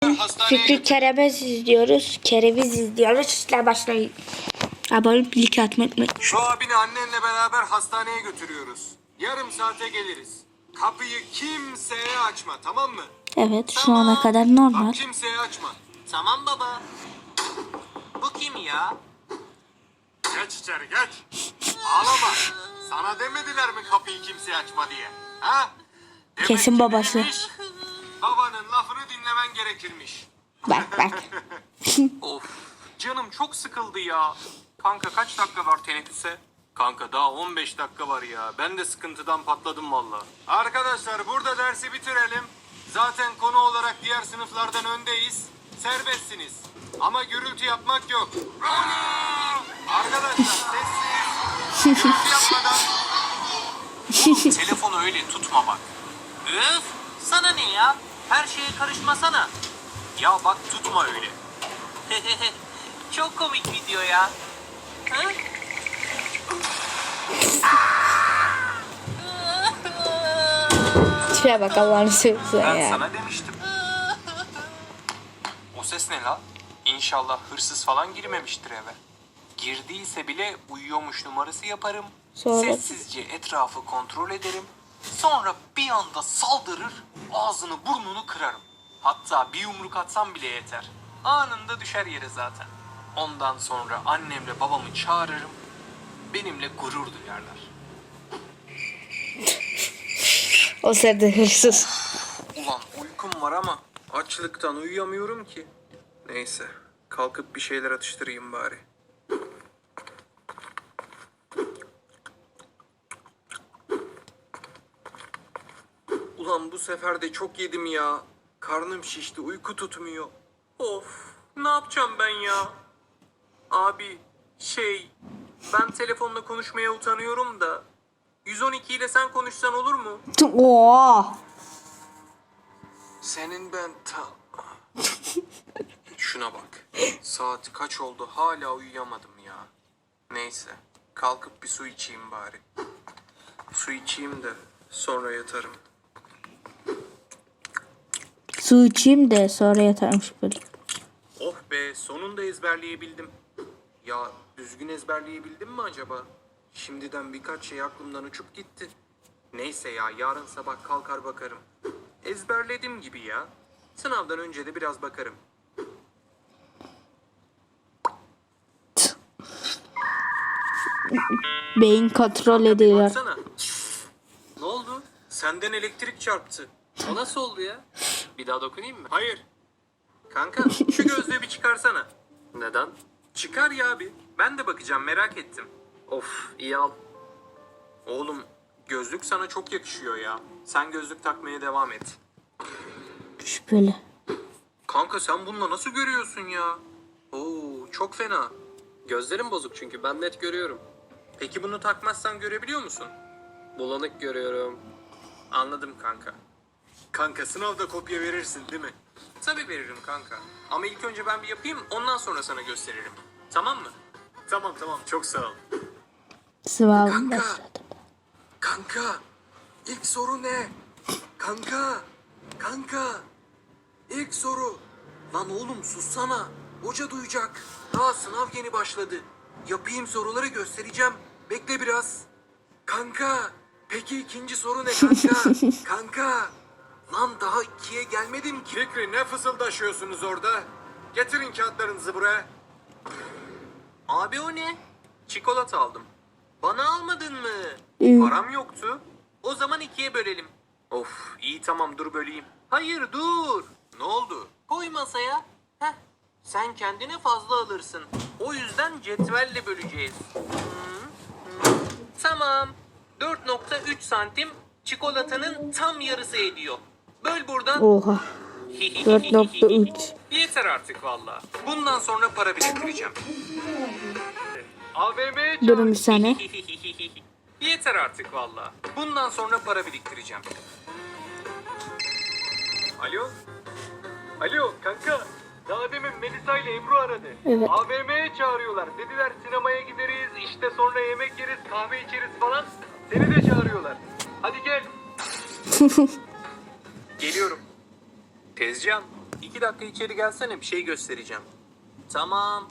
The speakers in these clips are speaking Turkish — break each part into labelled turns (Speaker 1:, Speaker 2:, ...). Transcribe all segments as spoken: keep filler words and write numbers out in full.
Speaker 1: Fikri Kereviz izliyoruz. Kereviz izliyoruz. İşte başlayın. Abone like atmayı unutmayın.
Speaker 2: Şu abini annenle beraber hastaneye götürüyoruz. Yarım saate geliriz. Kapıyı kimseye açma, tamam mı?
Speaker 1: Evet, şu
Speaker 2: Tamam.
Speaker 1: ana kadar normal.
Speaker 2: Bak kimseye açma.
Speaker 3: Tamam baba. Bu kim ya?
Speaker 2: Geç içeri geç. Ağlama. Sana demediler mi kapıyı kimseye açma diye? Ha? Demek
Speaker 1: Kesin
Speaker 2: ki
Speaker 1: babası.
Speaker 2: neymiş? Babanın lafını dinlemen gerekirmiş.
Speaker 1: Bak bak.
Speaker 3: Of, canım çok sıkıldı ya. Kanka kaç dakika var teneffüse?
Speaker 2: Kanka daha on beş dakika var ya. Ben de sıkıntıdan patladım valla. Arkadaşlar burada dersi bitirelim. Zaten konu olarak diğer sınıflardan öndeyiz. Serbestsiniz. Ama gürültü yapmak yok. Arkadaşlar sessiz. Gürültü yapmadan.
Speaker 3: Oğlum telefonu öyle tutma bak. Üf, sana ne ya? Her şeye karışmasana. Ya bak tutma öyle. Çok komik video ya. Hı?
Speaker 1: Şuraya bak Allah'ını seversen
Speaker 3: Ben
Speaker 1: ya.
Speaker 3: sana demiştim. O ses ne la? İnşallah hırsız falan girmemiştir eve. Girdiyse bile uyuyormuş numarası yaparım.
Speaker 1: Sonra?
Speaker 3: Sessizce etrafı kontrol ederim. Sonra bir anda saldırır, ağzını burnunu kırarım. Hatta bir yumruk atsam bile yeter. Anında düşer yere zaten. Ondan sonra annemle babamı çağırırım. Benimle gurur duyarlar.
Speaker 1: O sırada hırsız.
Speaker 2: Ulan uykum var ama açlıktan uyuyamıyorum ki. Neyse kalkıp bir şeyler atıştırayım bari. Ulan bu sefer de çok yedim ya. Karnım şişti, uyku tutmuyor. Of, ne yapacağım ben ya? Abi, şey, ben telefonla konuşmaya utanıyorum da yüz on iki ile sen konuşsan olur mu?
Speaker 1: Oo.
Speaker 2: Senin ben ta... Şuna bak. Saat kaç oldu hala uyuyamadım ya. Neyse, kalkıp bir su içeyim bari. Su içeyim de sonra yatarım.
Speaker 1: Su içeyim de sonra yatarmış böyle.
Speaker 2: Oh be, sonunda ezberleyebildim. Ya düzgün ezberleyebildim mi acaba? Şimdiden birkaç şey aklımdan uçup gitti. Neyse ya, yarın sabah kalkar bakarım. Ezberledim gibi ya. Sınavdan önce de biraz bakarım.
Speaker 1: Beyin kontrol ediyor.
Speaker 2: Baksana. Ne oldu? Senden elektrik çarptı.
Speaker 3: O nasıl oldu ya? Bir daha dokunayım mı?
Speaker 2: Hayır. Kanka şu gözlüğü bir çıkarsana.
Speaker 3: Neden?
Speaker 2: Çıkar ya bir. Ben de bakacağım, merak ettim.
Speaker 3: Of, iyi al.
Speaker 2: Oğlum gözlük sana çok yakışıyor ya. Sen gözlük takmaya devam et.
Speaker 1: Şüpheli.
Speaker 2: Kanka sen bununla nasıl görüyorsun ya? Oo çok fena.
Speaker 3: Gözlerim bozuk çünkü ben net görüyorum.
Speaker 2: Peki bunu takmazsan görebiliyor musun?
Speaker 3: Bulanık görüyorum.
Speaker 2: Anladım kanka. Kanka sınavda kopya verirsin değil mi? Tabii veririm kanka. Ama ilk önce ben bir yapayım, ondan sonra sana gösteririm. Tamam mı? Tamam tamam, çok sağ ol.
Speaker 1: Sıvabım
Speaker 2: Kanka.
Speaker 1: başladı.
Speaker 2: Kanka ilk soru ne? Kanka. Kanka. İlk soru. Lan oğlum sussana. Hoca duyacak. Daha sınav yeni başladı. Yapayım soruları göstereceğim. Bekle biraz. Kanka. Peki ikinci soru ne kanka? Kanka. Lan daha ikiye gelmedim ki. Fikri ne fısıldaşıyorsunuz orada? Getirin kağıtlarınızı buraya. Abi o ne? Çikolata aldım. Bana almadın mı?
Speaker 1: Hı.
Speaker 2: Param yoktu. O zaman ikiye bölelim. Of iyi tamam dur böleyim. Hayır dur. Ne oldu?
Speaker 3: Koy masaya. Heh. Sen kendine fazla alırsın. O yüzden cetvelle böleceğiz. Hı, hı. Tamam. dört nokta üç santim çikolatanın tam yarısı ediyor. Böl buradan.
Speaker 1: Oha. dört nokta üç.
Speaker 2: Yeter artık valla. Bundan sonra para biriktireceğim. A V M'ye
Speaker 1: Durun bir saniye.
Speaker 2: Yeter artık valla. Bundan sonra para biriktireceğim. Alo? Alo kanka. Daha demin Melisa ile Ebru aradı.
Speaker 1: Evet.
Speaker 2: A V M'ye çağırıyorlar. Dediler sinemaya gideriz, işte sonra yemek yeriz, kahve içeriz falan. Seni de çağırıyorlar. Hadi gel. Geliyorum. Tezcan,
Speaker 3: İki dakika içeri gelsene, bir şey göstereceğim. Tamam.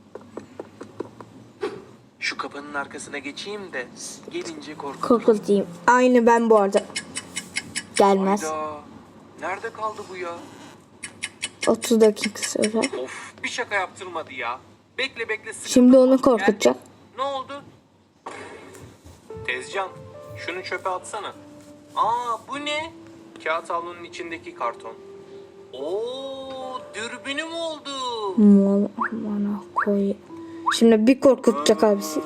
Speaker 3: Şu kapının arkasına geçeyim de gelince korkuturum.
Speaker 1: Korkutayım. Aynı ben bu arada. Gelmez.
Speaker 3: Hayda. Nerede kaldı bu ya?
Speaker 1: otuz dakika sonra.
Speaker 3: Of, bir şaka yaptırmadı ya. Bekle bekle. sıkıldım.
Speaker 1: Şimdi onu
Speaker 3: Gel.
Speaker 1: korkutacak.
Speaker 3: Ne oldu? Tezcan, şunu çöpe atsana. Aa, bu ne? Kağıt havlunun içindeki karton. Oo, dürbünüm oldu.
Speaker 1: Mal amına koy. Şimdi bir korkutacak abisi.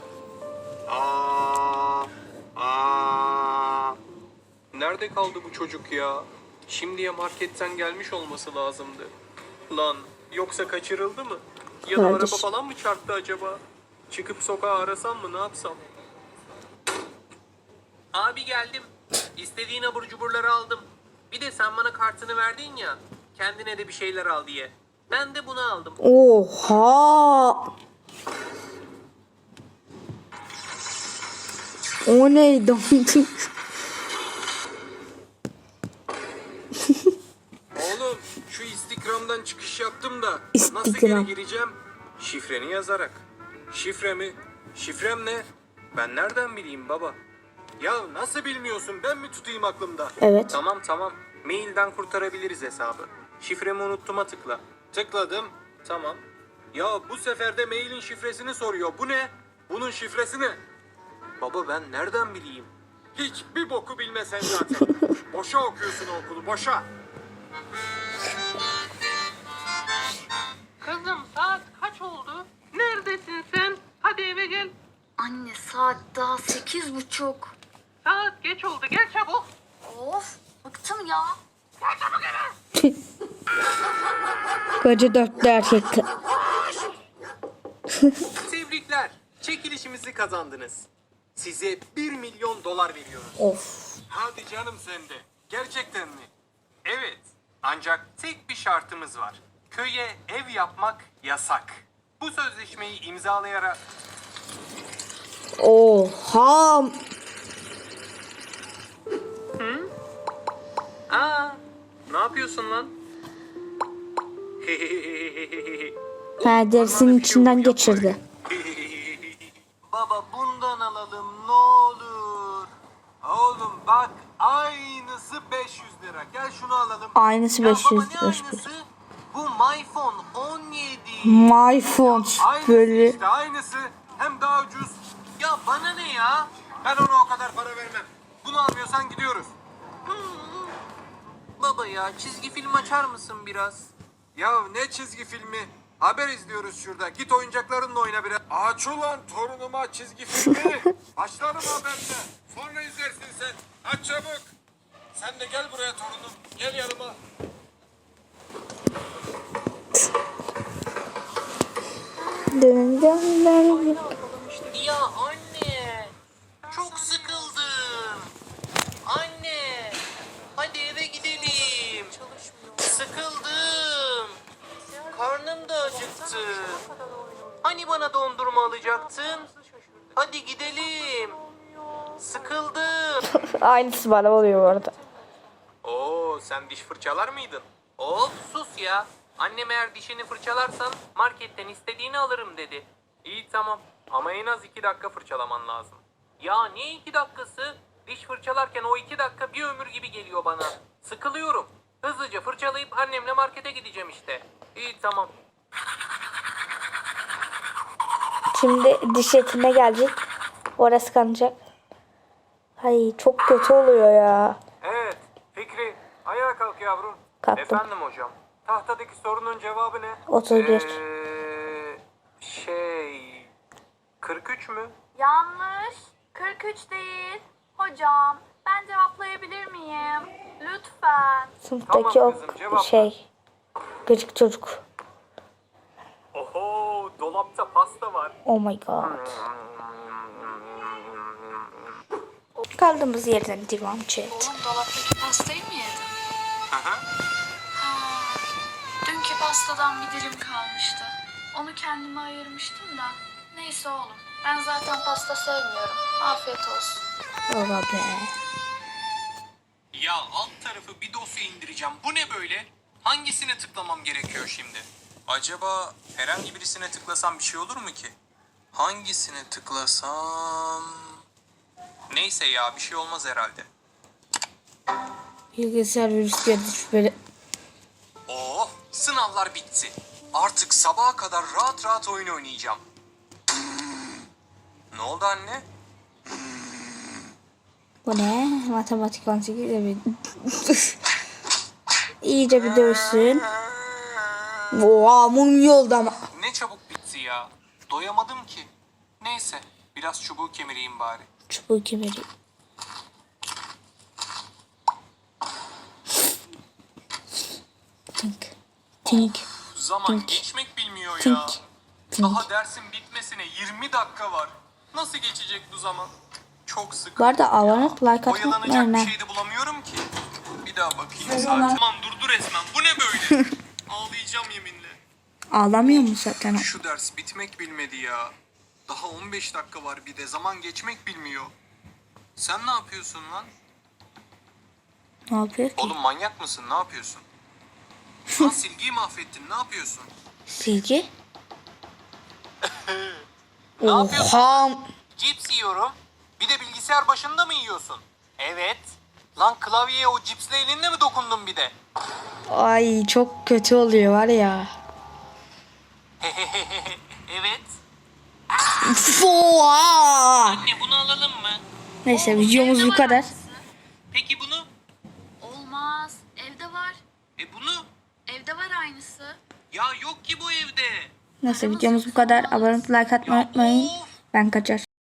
Speaker 3: Aa, aa. Nerede kaldı bu çocuk ya? Şimdiye marketten gelmiş olması lazımdı. Lan, yoksa kaçırıldı mı? Ya da
Speaker 1: Kardeş.
Speaker 3: araba falan mı çarptı acaba? Çıkıp sokağa arasam mı, ne yapsam? Abi geldim. İstediğin abur cuburları aldım. Bir de sen bana kartını verdin ya. Kendine de bir şeyler al diye. Ben de bunu aldım.
Speaker 1: Oha. O neydi?
Speaker 2: Oğlum şu Instagram'dan çıkış yaptım da nasıl
Speaker 1: Instagram.
Speaker 2: geri gireceğim?
Speaker 3: Şifreni yazarak. Şifre mi? Şifrem ne? Ben nereden bileyim baba?
Speaker 2: Ya nasıl bilmiyorsun, ben mi tutayım aklımda?
Speaker 1: Evet.
Speaker 3: Tamam tamam. Mailden kurtarabiliriz hesabı. Şifremi unuttum'a tıkla.
Speaker 2: Tıkladım.
Speaker 3: Tamam.
Speaker 2: Ya bu sefer de mailin şifresini soruyor. Bu ne? Bunun şifresi ne?
Speaker 3: Baba ben nereden bileyim?
Speaker 2: Hiçbir boku bilmesen zaten. Boşa okuyorsun o okulu, boşa.
Speaker 3: Kızım saat kaç oldu? Neredesin sen? Hadi eve gel.
Speaker 4: Anne saat daha sekiz buçuk.
Speaker 3: Saat geç oldu. Gel çabuk.
Speaker 4: Of bıktım ya.
Speaker 1: Koca dörtlü erkek.
Speaker 3: Tebrikler. Çekilişimizi kazandınız. Size bir milyon dolar veriyoruz.
Speaker 1: Of.
Speaker 2: Hadi canım sen de. Gerçekten mi?
Speaker 3: Evet. Ancak tek bir şartımız var. Köye ev yapmak yasak. Bu sözleşmeyi imzalayarak...
Speaker 1: Oha.
Speaker 3: Aa, ne yapıyorsun lan?
Speaker 1: Ha, derisinin içinden geçirdi.
Speaker 2: Baba bundan alalım ne olur. Oğlum bak aynısı beş yüz lira. Gel şunu alalım.
Speaker 1: Aynısı
Speaker 2: Ya
Speaker 1: beş
Speaker 2: baba,
Speaker 1: yüz
Speaker 2: ne
Speaker 1: lira.
Speaker 2: aynısı? Bu MyPhone on yedi.
Speaker 1: My phone
Speaker 2: Aynısı
Speaker 1: böyle.
Speaker 2: işte aynısı. Hem daha ucuz. Ya bana ne ya? Ben ona o kadar para vermem. Bunu almıyorsan gidiyoruz.
Speaker 3: Baba ya çizgi film açar mısın biraz?
Speaker 2: Ya ne çizgi filmi? Haber izliyoruz şurada. Git oyuncaklarınla oyna biraz. Aç ulan torunuma çizgi filmi. Başlarım haberde. Sonra izlersin sen. Aç çabuk. Sen de gel buraya torunum. Gel yanıma.
Speaker 1: Dın dın dın.
Speaker 3: Ya anne, çok sıkıldım. Anne, hadi eve gidelim. Sıkıldım. Karnım da acıktı. Hani bana dondurma alacaktın? Hadi gidelim. Sıkıldım.
Speaker 1: Aynısı bana oluyor bu arada.
Speaker 3: Oo, sen diş fırçalar mıydın? Of sus ya. Annem eğer dişini fırçalarsan marketten istediğini alırım dedi. İyi tamam ama en az iki dakika fırçalaman lazım. Ya ne iki dakikası? Diş fırçalarken o iki dakika bir ömür gibi geliyor bana. Sıkılıyorum. Hızlıca fırçalayıp annemle markete gideceğim işte. İyi tamam.
Speaker 1: Şimdi diş etine gelecek. Orası kanacak. Ay çok kötü oluyor ya.
Speaker 2: Evet. Fikri. Ayağa kalk yavrum.
Speaker 1: Kalktım.
Speaker 3: Efendim hocam.
Speaker 2: Tahtadaki sorunun cevabı ne?
Speaker 1: otuz bir.
Speaker 3: Ee, şey... kırk üç mü?
Speaker 4: Yanlış. kırk üç değil. Hocam ben cevaplayabilir miyim? Lütfen.
Speaker 1: Sınıftaki
Speaker 2: Tamam
Speaker 1: o
Speaker 2: kızım, cevapla.
Speaker 1: şey. Gıcık çocuk.
Speaker 3: Oho, dolapta pasta var.
Speaker 1: Oh my god. Kaldığımız yerden devam chat.
Speaker 4: Oğlum dolaptaki pastayı mı yedin? Ha, dünkü pastadan bir dilim kalmıştı. Onu kendime ayırmıştım da. Neyse oğlum. Ben zaten pasta sevmiyorum. Afiyet olsun.
Speaker 1: Ola be.
Speaker 3: Ya alt tarafı bir dosya indireceğim. Bu ne böyle? Hangisine tıklamam gerekiyor şimdi? Acaba herhangi birisine tıklasam bir şey olur mu ki? Hangisine tıklasam... Neyse ya, bir şey olmaz herhalde.
Speaker 1: Bilgisayar virüs geldi şüpheli.
Speaker 3: Oh, sınavlar bitti. Artık sabaha kadar rahat rahat oyun oynayacağım. Ne oldu anne?
Speaker 1: Bu ne? Matematik on sekiz evet. İyice bir dövsün. Oha mum yolda ama.
Speaker 3: Ne çabuk bitti ya. Doyamadım ki. Neyse, biraz çubuğu kemireyim bari.
Speaker 1: Çubuğu kemeri. Tink. Tink.
Speaker 3: Zaman
Speaker 1: Tink.
Speaker 3: geçmek bilmiyor ya.
Speaker 1: Tink. Tink.
Speaker 3: Daha dersin bitmesine yirmi dakika var. Nasıl geçecek bu zaman? Çok sıkı.
Speaker 1: Bu arada abone olup like atmayı
Speaker 3: Oyalanacak
Speaker 1: unutmayın.
Speaker 3: bir
Speaker 1: ha.
Speaker 3: şey de bulamıyorum ki. Bir daha bakayım saate. Aman durdu resmen. Bu ne böyle? Ağlayacağım yeminle.
Speaker 1: Ağlamıyor mu zaten?
Speaker 3: Şu ders bitmek bilmedi ya. Daha on beş dakika var, bir de zaman geçmek bilmiyor. Sen ne yapıyorsun lan?
Speaker 1: Ne yapıyor ki?
Speaker 3: Oğlum manyak mısın? Ne yapıyorsun? Lan silgiyi mahvettin. Ne yapıyorsun?
Speaker 1: Silgi?
Speaker 3: Ne yapıyorsun?
Speaker 1: Oha.
Speaker 3: Cips yiyorum. Bir de bilgisayar başında mı yiyorsun? Evet. Lan klavyeye o cipsle elinle mi dokundun bir de?
Speaker 1: Ay çok kötü oluyor var ya.
Speaker 3: Evet.
Speaker 1: Oha.
Speaker 3: Anne bunu alalım mı?
Speaker 1: Neyse videomuz
Speaker 4: Evde
Speaker 1: bu
Speaker 4: var
Speaker 1: kadar.
Speaker 4: aynısı.
Speaker 3: Peki bunu?
Speaker 4: Olmaz. Evde var.
Speaker 3: E bunu?
Speaker 4: Evde var aynısı.
Speaker 3: Ya yok ki bu evde.
Speaker 1: Neyse videomuz bu kadar. Abone olup like atmayı unutmayın. Ben kaçar.